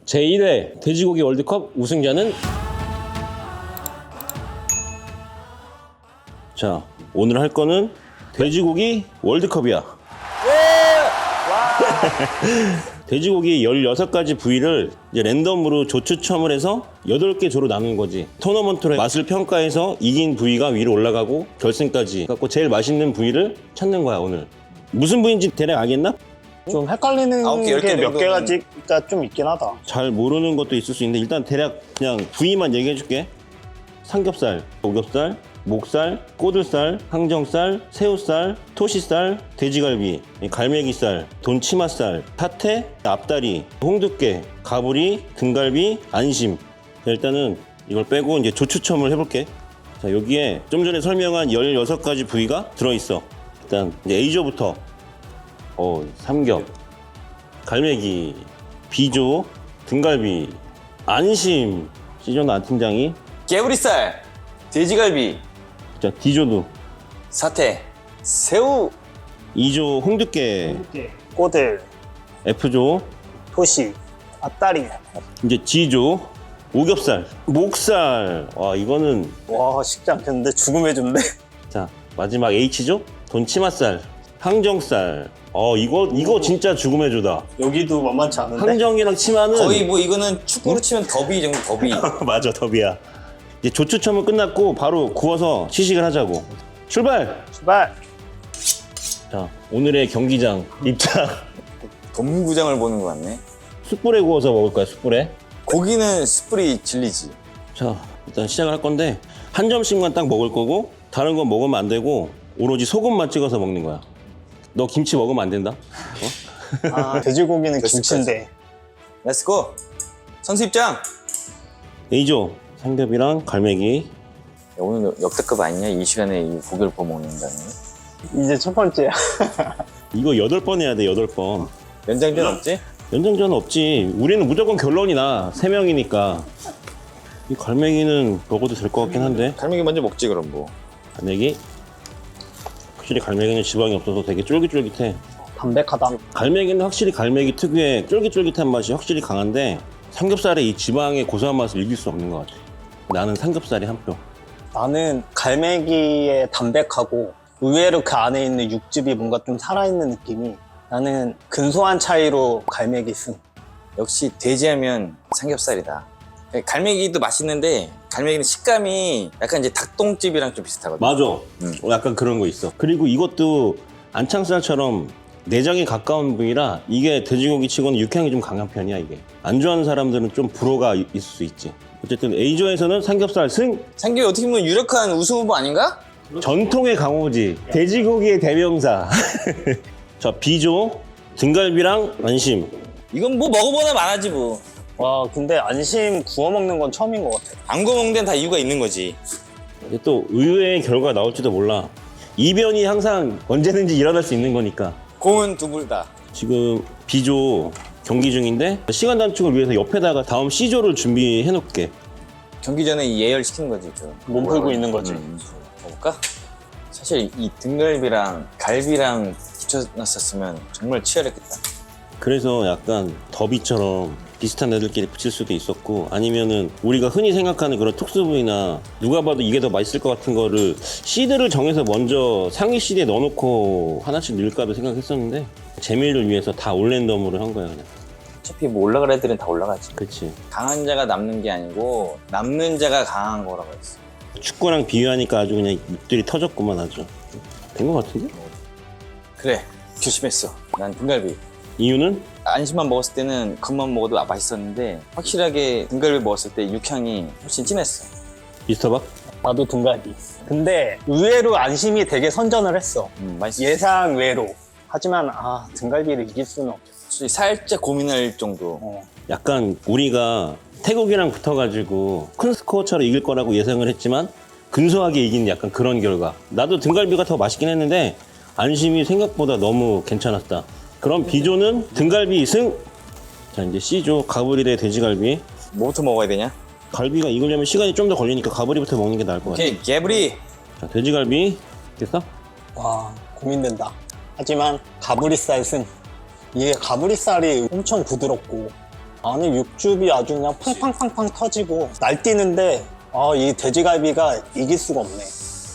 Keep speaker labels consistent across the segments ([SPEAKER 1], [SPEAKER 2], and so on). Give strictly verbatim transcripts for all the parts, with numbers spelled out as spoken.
[SPEAKER 1] 제일 회 돼지고기 월드컵 우승자는 자 오늘 할 거는 돼지고기 월드컵이야. 돼지고기 열여섯 가지 부위를 이제 랜덤으로 조 추첨을 해서 여덟 개 조로 나누는 거지. 토너먼트로 맛을 평가해서 이긴 부위가 위로 올라가고 결승까지 갖고 제일 맛있는 부위를 찾는 거야 오늘. 무슨 부위인지 대략 알겠나?
[SPEAKER 2] 좀 헷갈리는
[SPEAKER 3] 아홉 개, 열 개
[SPEAKER 2] 게 몇
[SPEAKER 3] 정도는-
[SPEAKER 2] 개 가지가 좀 있긴 하다.
[SPEAKER 1] 잘 모르는 것도 있을 수 있는데 일단 대략 그냥 부위만 얘기해 줄게. 삼겹살, 오겹살, 목살, 꼬들살, 항정살, 새우살, 토시살, 돼지갈비, 갈매기살, 돈치맛살, 사태, 앞다리, 홍두깨, 가브리, 등갈비, 안심. 자, 일단은 이걸 빼고 이제 조추첨을 해볼게. 자, 여기에 좀 전에 설명한 열여섯 가지 부위가 들어있어. 일단 이제 A조부터 어, 삼겹, 갈매기, B조, 등갈비, 안심, C조는 안 팀장이.
[SPEAKER 3] 개구리살, 돼지갈비,
[SPEAKER 1] 자, D조도.
[SPEAKER 3] 사태, 새우,
[SPEAKER 1] E조 홍두깨,
[SPEAKER 2] 꼬들,
[SPEAKER 1] F조,
[SPEAKER 2] 토시, 앞다리.
[SPEAKER 1] 이제 G조 오겹살, 목살. 와 이거는
[SPEAKER 2] 와 쉽지 않겠는데 죽음의 준데.
[SPEAKER 1] 자 마지막 H조 돈치맛살, 항정살. 어 이거 이거 진짜 죽음의 조다.
[SPEAKER 2] 여기도 만만치 않은데.
[SPEAKER 1] 항정이랑 치마는
[SPEAKER 3] 거의 뭐 이거는 축구로 치면 더비 정도 더비.
[SPEAKER 1] 맞아 더비야. 이제 조추첨은 끝났고 바로 구워서 시식을 하자고. 출발.
[SPEAKER 2] 출발.
[SPEAKER 1] 자 오늘의 경기장 입장.
[SPEAKER 3] 동구장을 보는 것 같네.
[SPEAKER 1] 숯불에 구워서 먹을 거야 숯불에.
[SPEAKER 3] 고기는 숯불이 진리지.
[SPEAKER 1] 자 일단 시작을 할 건데 한 점씩만 딱 먹을 거고 다른 건 먹으면 안 되고 오로지 소금만 찍어서 먹는 거야. 너 김치 먹으면 안 된다. 어?
[SPEAKER 2] 아 돼지고기는 김치인데.
[SPEAKER 3] 렛츠고. 선수 입장.
[SPEAKER 1] A조 삼겹이랑 갈매기.
[SPEAKER 3] 야, 오늘 역대급 아니냐? 이 시간에 이 고기를 구워 먹는다는 거.
[SPEAKER 2] 이제 첫 번째야.
[SPEAKER 1] 이거 여덟 번 해야 돼 여덟 번.
[SPEAKER 3] 연장전 없지?
[SPEAKER 1] 연장전 없지. 우리는 무조건 결론이 나. 세 명이니까. 이 갈매기는 먹어도 될 것 같긴 한데.
[SPEAKER 3] 갈매기 먼저 먹지 그럼 뭐.
[SPEAKER 1] 갈매기. 확실히 갈매기는 지방이 없어서 되게 쫄깃쫄깃해.
[SPEAKER 2] 담백하다.
[SPEAKER 1] 갈매기는 확실히 갈매기 특유의 쫄깃쫄깃한 맛이 확실히 강한데 삼겹살의 이 지방의 고소한 맛을 이길 수 없는 것 같아. 나는 삼겹살이 한 표.
[SPEAKER 2] 나는 갈매기의 담백하고 의외로 그 안에 있는 육즙이 뭔가 좀 살아있는 느낌이. 나는 근소한 차이로 갈매기 승.
[SPEAKER 3] 역시 돼지하면 삼겹살이다. 갈매기도 맛있는데 갈매기는 식감이 약간 이제 닭똥집이랑 좀 비슷하거든.
[SPEAKER 1] 맞아.
[SPEAKER 3] 음.
[SPEAKER 1] 어, 약간 그런 거 있어. 그리고 이것도 안창살처럼 내장에 가까운 부위라 이게 돼지고기 치고는 육향이 좀 강한 편이야 이게. 안 좋아하는 사람들은 좀 불호가 있을 수 있지. 어쨌든 A조에서는 삼겹살 승.
[SPEAKER 3] 삼겹이 어떻게 보면 유력한 우승 후보 아닌가?
[SPEAKER 1] 전통의 강호지. 돼지고기의 대명사. 자 B조 등갈비랑 안심.
[SPEAKER 3] 이건 뭐 먹어보나 말하지 뭐.
[SPEAKER 2] 와 근데 안심 구워 먹는 건 처음인 것 같아.
[SPEAKER 3] 안 구워 먹는 데는 다 이유가 있는 거지.
[SPEAKER 1] 이게 또 의외의 결과가 나올지도 몰라. 이변이 항상 언제든지 일어날 수 있는 거니까.
[SPEAKER 3] 공은 두 불 다.
[SPEAKER 1] 지금 B조 경기 중인데 시간 단축을 위해서 옆에다가 다음 C조를 준비해 놓을게.
[SPEAKER 3] 경기 전에 이 예열시키는 거지. 좀.
[SPEAKER 2] 몸 풀고 있는 거지.
[SPEAKER 3] 음. 먹을까? 사실 이 등갈비랑 갈비랑 붙여놨었으면 정말 치열했겠다.
[SPEAKER 1] 그래서 약간 더비처럼 비슷한 애들끼리 붙일 수도 있었고 아니면은 우리가 흔히 생각하는 그런 특수 부위나 누가 봐도 이게 더 맛있을 것 같은 거를 시드를 정해서 먼저 상위 시드에 넣어놓고 하나씩 넣을까도 생각했었는데 재미를 위해서 다 올랜덤으로 한 거야 그냥.
[SPEAKER 3] 어차피 뭐 올라갈 애들은 다 올라가지.
[SPEAKER 1] 그치.
[SPEAKER 3] 강한 자가 남는 게 아니고 남는 자가 강한 거라고 했어.
[SPEAKER 1] 축구랑 비유하니까 아주 그냥 입들이 터졌구만 아주. 된 것 같은데?
[SPEAKER 3] 그래, 조심했어. 난 등갈비.
[SPEAKER 1] 이유는?
[SPEAKER 3] 안심만 먹었을 때는 겉만 먹어도 맛있었는데 확실하게 등갈비 먹었을 때 육향이 훨씬 진했어.
[SPEAKER 1] 미스터 박?
[SPEAKER 2] 나도 등갈비. 근데 의외로 안심이 되게 선전을 했어.
[SPEAKER 3] 음, 맛있어.
[SPEAKER 2] 예상 외로. 하지만 아 등갈비를 이길 수는 없어.
[SPEAKER 3] 살짝 고민할 정도.
[SPEAKER 2] 어.
[SPEAKER 1] 약간 우리가 태국이랑 붙어가지고 큰 스코어차로 이길 거라고 예상을 했지만 근소하게 이긴 약간 그런 결과. 나도 등갈비가 더 맛있긴 했는데 안심이 생각보다 너무 괜찮았다. 그럼 B조는 등갈비 승. 자 이제 C조 가브리 대 돼지갈비.
[SPEAKER 3] 뭐부터 먹어야 되냐?
[SPEAKER 1] 갈비가 익으려면 시간이 좀 더 걸리니까 가브리부터 먹는 게 나을 것 같아.
[SPEAKER 3] 오케이, 개브리.
[SPEAKER 1] 자 돼지갈비 됐어?
[SPEAKER 2] 와 고민된다. 하지만 가브리살 승. 이게 가브리살이 엄청 부드럽고 안에 육즙이 아주 그냥 팡팡팡팡 터지고 날뛰는데 아, 이 돼지갈비가 이길 수가 없네.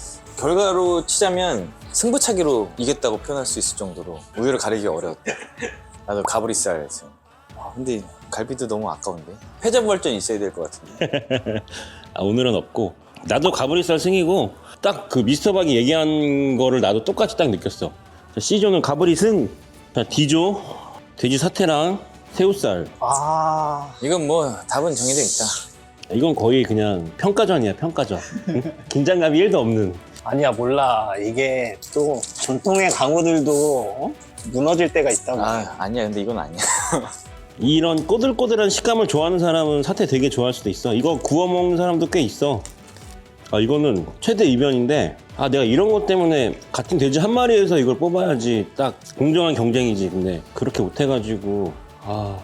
[SPEAKER 3] 결과로 치자면 승부차기로 이겼다고 표현할 수 있을 정도로 우유를 가리기 어려웠다. 나도 가브리살 했어. 아, 근데 갈비도 너무 아까운데. 패자부활전 있어야 될 것 같은데.
[SPEAKER 1] 아, 오늘은 없고 나도 가브리살 승이고 딱 그 미스터박이 얘기한 거를 나도 똑같이 딱 느꼈어. 자, C조는 가브리 승. 자, D조 돼지 사태랑 새우살.
[SPEAKER 2] 아,
[SPEAKER 3] 이건 뭐 답은 정해져 있다.
[SPEAKER 1] 이건 거의 그냥 평가전이야, 평가전. 응? 긴장감이 일도 없는.
[SPEAKER 2] 아니야, 몰라. 이게 또 전통의 강호들도 어? 무너질 때가 있다고.
[SPEAKER 3] 아, 아니야. 근데 이건 아니야.
[SPEAKER 1] 이런 꼬들꼬들한 식감을 좋아하는 사람은 사태 되게 좋아할 수도 있어. 이거 구워 먹는 사람도 꽤 있어. 아, 이거는 최대 이변인데, 아, 내가 이런 것 때문에 같은 돼지 한 마리에서 이걸 뽑아야지 딱 공정한 경쟁이지. 근데 그렇게 못해가지고, 아,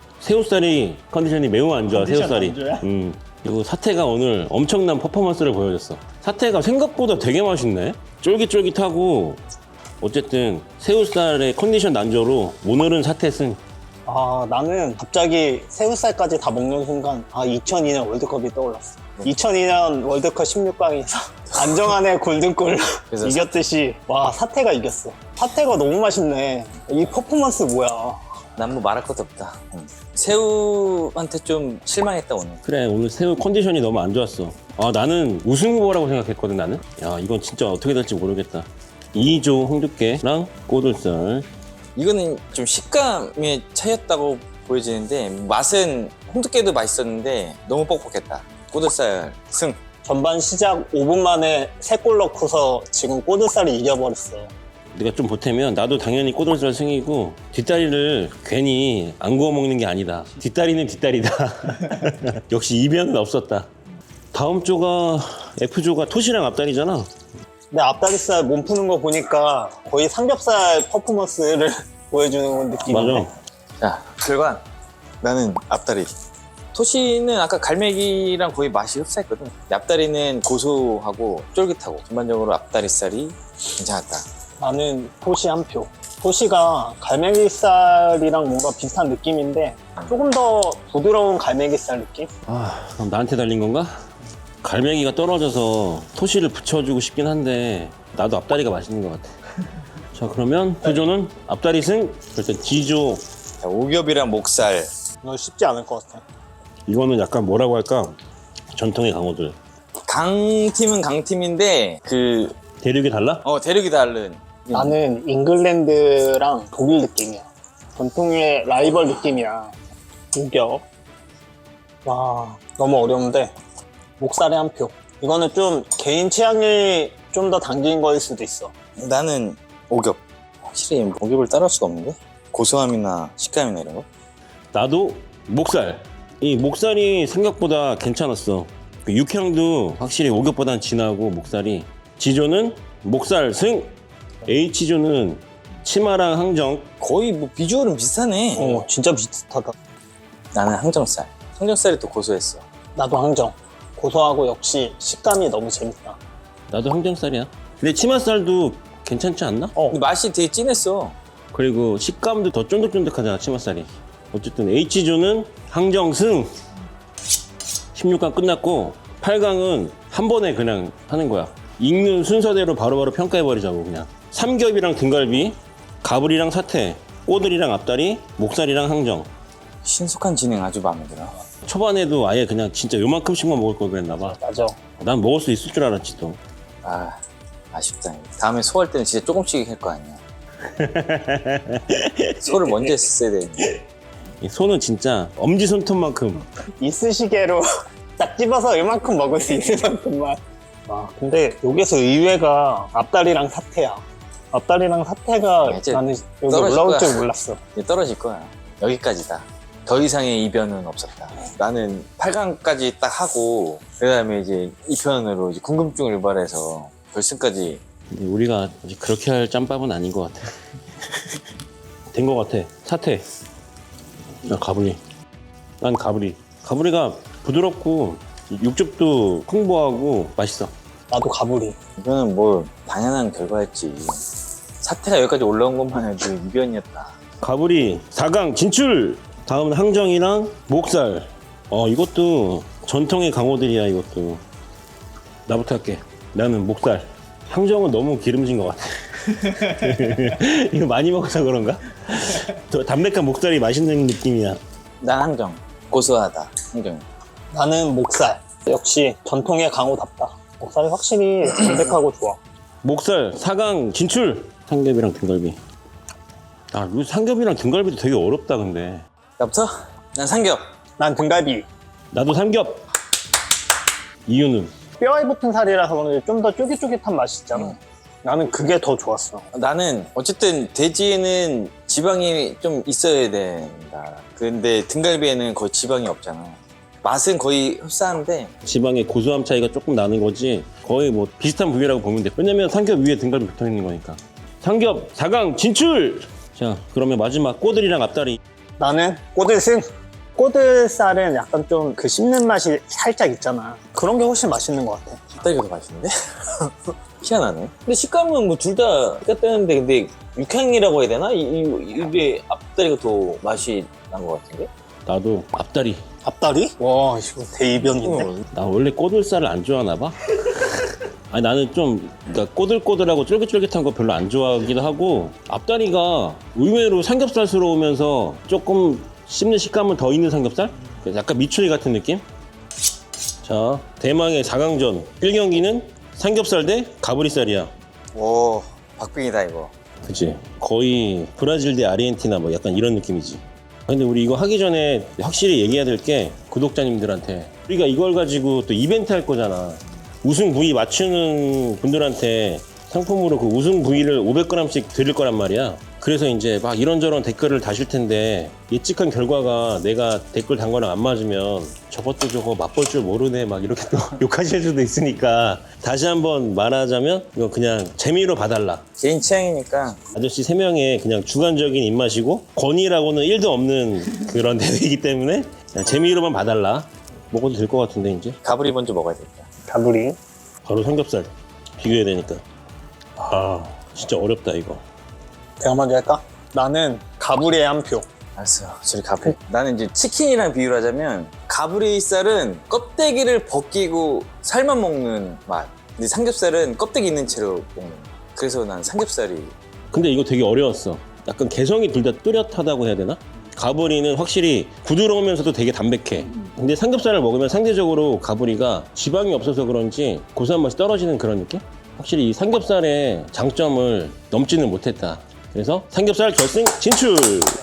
[SPEAKER 1] 새우살이 컨디션이 매우 안 좋아.
[SPEAKER 2] 컨디션
[SPEAKER 1] 새우살이.
[SPEAKER 2] 안 좋아요?
[SPEAKER 1] 음. 그리고 사태가 오늘 엄청난 퍼포먼스를 보여줬어. 사태가 생각보다 되게 맛있네. 쫄깃쫄깃하고, 어쨌든 새우살의 컨디션 난조로 오늘은 사태 승.
[SPEAKER 2] 아, 나는 갑자기 새우살까지 다 먹는 순간 아, 이천이 년 월드컵이 떠올랐어. 이천이 년 월드컵 십육 강에서 안정환의 골든골
[SPEAKER 3] 그래서
[SPEAKER 2] 이겼듯이 와, 사태가 이겼어. 사태가 너무 맛있네. 이 퍼포먼스 뭐야.
[SPEAKER 3] 난 뭐 말할 것도 없다. 응. 새우한테 좀 실망했다 오늘.
[SPEAKER 1] 그래, 오늘 새우 컨디션이 너무 안 좋았어. 아, 나는 우승 후보라고 생각했거든, 나는. 야, 이건 진짜 어떻게 될지 모르겠다. 이조 홍두깨랑 꼬들살.
[SPEAKER 3] 이거는 좀 식감의 차이였다고 보여지는데 맛은 홍두깨도 맛있었는데 너무 뻑뻑했다. 꼬들살 승.
[SPEAKER 2] 전반 시작 오 분 만에 세 골 넣고서 지금 꼬들살이 이겨버렸어.
[SPEAKER 1] 내가 좀 보태면 나도 당연히 꼬들살 승이고 뒷다리를 괜히 안 구워 먹는 게 아니다. 뒷다리는 뒷다리다. 역시 이변은 없었다. 다음 조가 F조가 토시랑 앞다리잖아.
[SPEAKER 2] 근데 앞다리살 몸 푸는 거 보니까 거의 삼겹살 퍼포먼스를 보여주는 느낌인데.
[SPEAKER 1] 맞아.
[SPEAKER 3] 자, 결과 나는 앞다리. 토시는 아까 갈매기랑 거의 맛이 흡사했거든. 앞다리는 고소하고 쫄깃하고 전반적으로 앞다리살이 괜찮았다.
[SPEAKER 2] 나는 토시 한 표. 토시가 갈매기살이랑 뭔가 비슷한 느낌인데 조금 더 부드러운 갈매기살 느낌?
[SPEAKER 1] 아, 그럼 나한테 달린 건가? 갈매기가 떨어져서 토시를 붙여주고 싶긴 한데 나도 앞다리가 맛있는 것 같아. 자, 그러면 F조는 앞다리 승. 일단 D조.
[SPEAKER 3] 자, 오겹이랑 목살.
[SPEAKER 2] 이거 쉽지 않을 것 같아.
[SPEAKER 1] 이거는 약간 뭐라고 할까? 전통의 강호들.
[SPEAKER 3] 강팀은 강팀인데 그
[SPEAKER 1] 대륙이 달라?
[SPEAKER 3] 어, 대륙이 다른.
[SPEAKER 2] 나는 잉글랜드랑 독일 느낌이야. 전통의 라이벌 느낌이야. 우겨. 와, 너무 어려운데 목살에 한 표. 이거는 좀 개인 취향이 좀 더 당긴 거일 수도 있어.
[SPEAKER 3] 나는 오겹. 확실히 오겹을 따라할 수가 없는데? 고소함이나 식감이나 이런 거?
[SPEAKER 1] 나도 목살. 이 목살이 생각보다 괜찮았어. 그 육향도 확실히 오겹보단 진하고 목살이. G조는 목살 승. H조는 치마랑 항정.
[SPEAKER 3] 거의 뭐 비주얼은 비슷하네.
[SPEAKER 2] 어, 진짜 비슷하다.
[SPEAKER 3] 나는 항정살. 항정살이 또 고소했어.
[SPEAKER 2] 나도 항정. 고소하고 역시 식감이 너무 재밌다.
[SPEAKER 1] 나도 항정살이야. 근데 치맛살도 괜찮지 않나?
[SPEAKER 2] 어,
[SPEAKER 3] 근데 맛이 되게 진했어.
[SPEAKER 1] 그리고 식감도 더 쫀득쫀득하잖아, 치맛살이. 어쨌든 H조는 항정 승. 십육 강 끝났고 팔 강은 한 번에 그냥 하는 거야. 읽는 순서대로 바로바로 평가해버리자고 그냥. 삼겹이랑 등갈비, 가브리랑 사태, 꼬들이랑 앞다리, 목살이랑 항정.
[SPEAKER 3] 신속한 진행 아주 마음에 들어.
[SPEAKER 1] 초반에도 아예 그냥 진짜 요만큼씩만 먹을 걸 그랬나 봐.
[SPEAKER 2] 맞아.
[SPEAKER 1] 난 먹을 수 있을 줄 알았지 또.
[SPEAKER 3] 아, 아쉽다. 다음에 소할 때는 진짜 조금씩 할 거 아니야. 소를 먼저 했어야 되는데.
[SPEAKER 1] 이 소는 진짜 엄지손톱만큼.
[SPEAKER 2] 이쑤시개로 딱 집어서 이만큼 먹을 수 있을 만큼만. 아, 근데 여기서 의외가 앞다리랑 사태야. 앞다리랑 사태가
[SPEAKER 3] 이제
[SPEAKER 2] 나는 여기
[SPEAKER 3] 떨어질
[SPEAKER 2] 올라올
[SPEAKER 3] 거야.
[SPEAKER 2] 줄 몰랐어.
[SPEAKER 3] 이제 떨어질 거야. 여기까지다. 더 이상의 이변은 없었다. 나는 팔 강까지 딱 하고 그 다음에 이제 이 편으로 이제 궁금증을 유발해서 결승까지.
[SPEAKER 1] 근데 우리가 아직 그렇게 할 짬밥은 아닌 것 같아. 된 것 같아. 사태. 나 가브리. 난 가브리. 가브리가 부드럽고 육즙도 풍부하고 맛있어.
[SPEAKER 2] 나도 가브리.
[SPEAKER 3] 이거는 뭐 당연한 결과였지. 사태가 여기까지 올라온 것만 해도 이변이었다.
[SPEAKER 1] 가브리 사 강 진출! 다음은 항정이랑 목살. 어 이것도 전통의 강호들이야. 이것도 나부터 할게. 나는 목살. 항정은 너무 기름진 것 같아. 이거 많이 먹어서 그런가? 더 담백한 목살이 맛있는 느낌이야.
[SPEAKER 3] 난 항정. 고소하다. 항정.
[SPEAKER 2] 나는 목살. 역시 전통의 강호답다. 목살이 확실히 담백하고 좋아.
[SPEAKER 1] 목살 사 강 진출. 삼겹이랑 등갈비. 아, 이거 삼겹이랑 등갈비도 되게 어렵다 근데.
[SPEAKER 3] 나부터? 난 삼겹.
[SPEAKER 2] 난 등갈비.
[SPEAKER 1] 나도 삼겹. 이유는
[SPEAKER 2] 뼈에 붙은 살이라서 그런지 좀 더 쫄깃쫄깃한 맛이 있잖아.
[SPEAKER 3] 음.
[SPEAKER 2] 나는 그게 더 좋았어.
[SPEAKER 3] 나는 어쨌든 돼지에는 지방이 좀 있어야 된다. 근데 등갈비에는 거의 지방이 없잖아. 맛은 거의 흡사한데
[SPEAKER 1] 지방의 고소함 차이가 조금 나는 거지 거의 뭐 비슷한 부위라고 보면 돼. 왜냐면 삼겹 위에 등갈비 붙어 있는 거니까. 삼겹 사 강 진출. 자, 그러면 마지막 꼬들이랑 앞다리.
[SPEAKER 2] 나는 꼬들승. 꼬들살은 약간 좀 그 씹는 맛이 살짝 있잖아. 그런 게 훨씬 맛있는 것 같아.
[SPEAKER 3] 앞다리가 더 맛있는데? 희한하네. 근데 식감은 뭐 둘 다 똑같다는데 근데 육향이라고 해야 되나? 이, 이, 이게 앞다리가 더 맛이 난 것 같은데?
[SPEAKER 1] 나도 앞다리.
[SPEAKER 2] 앞다리? 와, 이거 대이변인데?
[SPEAKER 1] 나 원래 꼬들살을 안 좋아하나 봐. 아니 나는 좀 그러니까 꼬들꼬들하고 쫄깃쫄깃한 거 별로 안 좋아하기도 하고 앞다리가 의외로 삼겹살스러우면서 조금 씹는 식감은 더 있는 삼겹살? 약간 미추리 같은 느낌? 자, 대망의 사 강전 일 경기는 삼겹살 대 가브리살이야.
[SPEAKER 3] 오, 박빙이다 이거.
[SPEAKER 1] 그치? 거의 브라질 대 아르헨티나 뭐 약간 이런 느낌이지. 근데 우리 이거 하기 전에 확실히 얘기해야 될 게 구독자님들한테 우리가 이걸 가지고 또 이벤트 할 거잖아. 우승 부위 맞추는 분들한테 상품으로 그 우승 부위를 오백 그램씩 드릴 거란 말이야. 그래서 이제 막 이런저런 댓글을 다실 텐데 예측한 결과가 내가 댓글 단 거랑 안 맞으면 저것도 저거 맛볼 줄 모르네 막 이렇게 또 욕하실 수도 있으니까 다시 한번 말하자면 이거 그냥 재미로 봐달라.
[SPEAKER 3] 개인 취향이니까.
[SPEAKER 1] 아저씨 세 명의 그냥 주관적인 입맛이고 권위라고는 일도 없는 그런 대회이기 때문에 그냥 재미로만 봐달라. 먹어도 될 것 같은데 이제
[SPEAKER 3] 가브리 먼저 먹어야 되겠다.
[SPEAKER 2] 가브리.
[SPEAKER 1] 바로 삼겹살 비교해야 되니까. 아 진짜 어렵다 이거.
[SPEAKER 2] 내가 먼저 할까? 나는 가브리에 한 표.
[SPEAKER 3] 알았어요. 저리 가브리. 나는 이제 치킨이랑 비유를 하자면 가브리살은 껍데기를 벗기고 살만 먹는 맛. 근데 삼겹살은 껍데기 있는 채로 먹는 맛. 그래서 난 삼겹살이.
[SPEAKER 1] 근데 이거 되게 어려웠어. 약간 개성이 둘 다 뚜렷하다고 해야 되나? 가브리는 확실히 부드러우면서도 되게 담백해. 근데 삼겹살을 먹으면 상대적으로 가브리가 지방이 없어서 그런지 고소한 맛이 떨어지는 그런 느낌? 확실히 이 삼겹살의 장점을 넘지는 못했다. 그래서 삼겹살 결승 진출!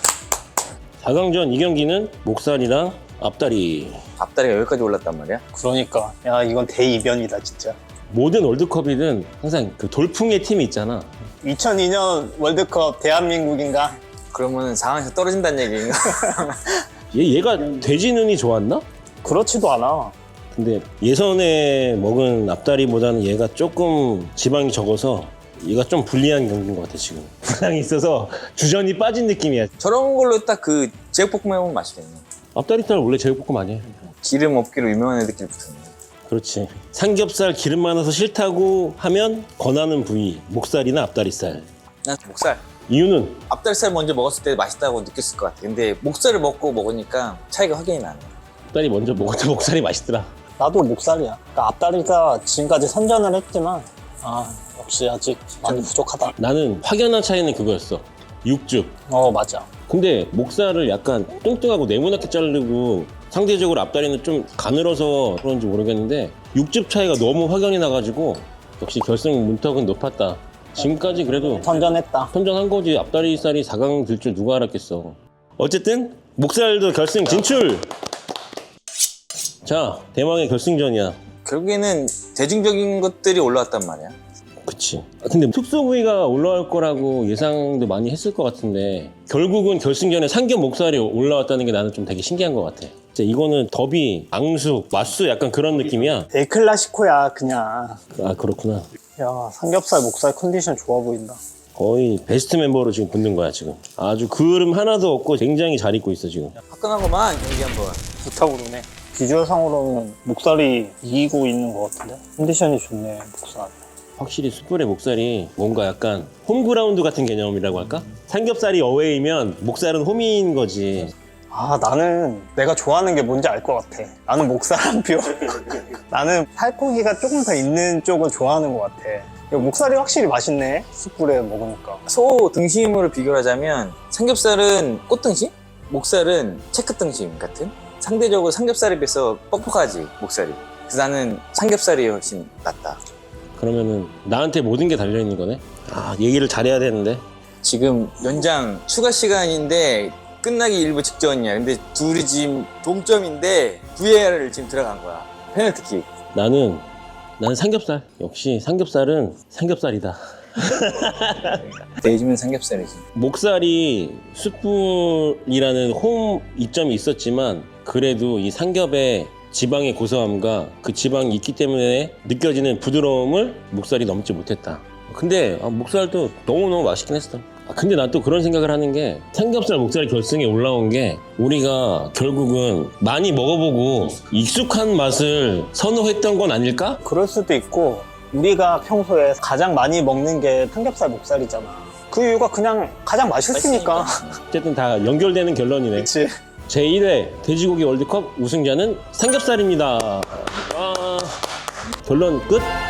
[SPEAKER 1] 사 강전 이 경기는 목살이랑 앞다리.
[SPEAKER 3] 앞다리가 여기까지 올랐단 말이야.
[SPEAKER 2] 그러니까. 야, 이건 대이변이다, 진짜.
[SPEAKER 1] 모든 월드컵이든 항상 그 돌풍의 팀이 있잖아.
[SPEAKER 2] 이천이 년 월드컵 대한민국인가?
[SPEAKER 3] 그러면 상황에서 떨어진다는 얘기인가?
[SPEAKER 1] 얘, 얘가 돼지 눈이 좋았나?
[SPEAKER 2] 그렇지도 않아.
[SPEAKER 1] 근데 예선에 먹은 앞다리보다는 얘가 조금 지방이 적어서 얘가 좀 불리한 경기인 것 같아 지금. 부상이 있어서 주전이 빠진 느낌이야.
[SPEAKER 3] 저런 걸로 딱 그 제육볶음 해보면 맛있겠네.
[SPEAKER 1] 앞다리살 원래 제육볶음 아니야.
[SPEAKER 3] 기름 없기로 유명한 애들끼리 붙었네.
[SPEAKER 1] 그렇지. 삼겹살 기름 많아서 싫다고 하면 권하는 부위 목살이나 앞다리살.
[SPEAKER 3] 난 목살.
[SPEAKER 1] 이유는
[SPEAKER 3] 앞다리살 먼저 먹었을 때 맛있다고 느꼈을 것 같아. 근데 목살을 먹고 먹으니까 차이가 확연히 나네.
[SPEAKER 1] 앞다리 먼저 먹었던 목살이 맛있더라.
[SPEAKER 2] 나도 목살이야. 그러니까 앞다리가 지금까지 선전을 했지만 아 역시 아직 많이 부족하다.
[SPEAKER 1] 나는 확연한 차이는 그거였어. 육즙.
[SPEAKER 2] 어 맞아.
[SPEAKER 1] 근데 목살을 약간 뚱뚱하고 네모나게 자르고 상대적으로 앞다리는 좀 가늘어서 그런지 모르겠는데 육즙 차이가 너무 확연히 나가지고 역시 결승 문턱은 높았다. 지금까지 그래도
[SPEAKER 2] 선전했다.
[SPEAKER 1] 선전한 거지. 앞다리살이 사 강 들 줄 누가 알았겠어. 어쨌든 목살도 결승 진출! 자, 대망의 결승전이야.
[SPEAKER 3] 결국에는 대중적인 것들이 올라왔단 말이야.
[SPEAKER 1] 그치. 아, 근데 특수 부위가 올라올 거라고 예상도 많이 했을 것 같은데 결국은 결승전에 삼겹 목살이 올라왔다는 게 나는 좀 되게 신기한 것 같아. 진짜 이거는 더비, 앙수, 맛수 약간 그런 느낌이야.
[SPEAKER 2] 데클라시코야 그냥.
[SPEAKER 1] 아 그렇구나.
[SPEAKER 2] 야 삼겹살 목살 컨디션 좋아 보인다.
[SPEAKER 1] 거의 베스트 멤버로 지금 붙는 거야 지금. 아주 그을음 하나도 없고 굉장히 잘 입고 있어 지금.
[SPEAKER 3] 화끈하고만 경기 한번.
[SPEAKER 2] 좋다고 그러네. 비주얼상으로는 목살이 이기고 있는 것 같은데 컨디션이 좋네 목살.
[SPEAKER 1] 확실히 숯불의 목살이 뭔가 약간 홈그라운드 같은 개념이라고 할까? 삼겹살이 어웨이면 목살은 홈인 거지.
[SPEAKER 2] 아, 나는 내가 좋아하는 게 뭔지 알 것 같아. 나는 목살 한 표. 나는 살코기가 조금 더 있는 쪽을 좋아하는 것 같아. 이거 목살이 확실히 맛있네. 숯불에 먹으니까.
[SPEAKER 3] 소 등심으로 비교하자면 삼겹살은 꽃등심, 목살은 체크등심 같은. 상대적으로 삼겹살에 비해서 뻑뻑하지 목살이. 그래서 나는 삼겹살이 훨씬 낫다.
[SPEAKER 1] 그러면은 나한테 모든 게 달려있는 거네? 아, 얘기를 잘해야 되는데.
[SPEAKER 3] 지금 연장 추가 시간인데 끝나기 일부 직전이야. 근데 둘이 지금 동점인데 브이에이알을 지금 들어간 거야. 페널티킥.
[SPEAKER 1] 나는, 나는 삼겹살. 역시 삼겹살은 삼겹살이다.
[SPEAKER 3] 내 집은 삼겹살이지.
[SPEAKER 1] 목살이 숯불이라는 홈 이점이 있었지만 그래도 이 삼겹의 지방의 고소함과 그 지방이 있기 때문에 느껴지는 부드러움을 목살이 넘지 못했다. 근데 아, 목살도 너무너무 맛있긴 했어. 아, 근데 난 또 그런 생각을 하는 게 삼겹살 목살 결승에 올라온 게 우리가 결국은 많이 먹어보고 익숙한 맛을 선호했던 건 아닐까?
[SPEAKER 2] 그럴 수도 있고, 우리가 평소에 가장 많이 먹는 게 삼겹살 목살이잖아. 그 이유가 그냥 가장 맛있으니까.
[SPEAKER 1] 어쨌든 다 연결되는 결론이네.
[SPEAKER 2] 그치?
[SPEAKER 1] 제일 회 돼지고기 월드컵 우승자는 삼겹살입니다. 와. 결론 끝.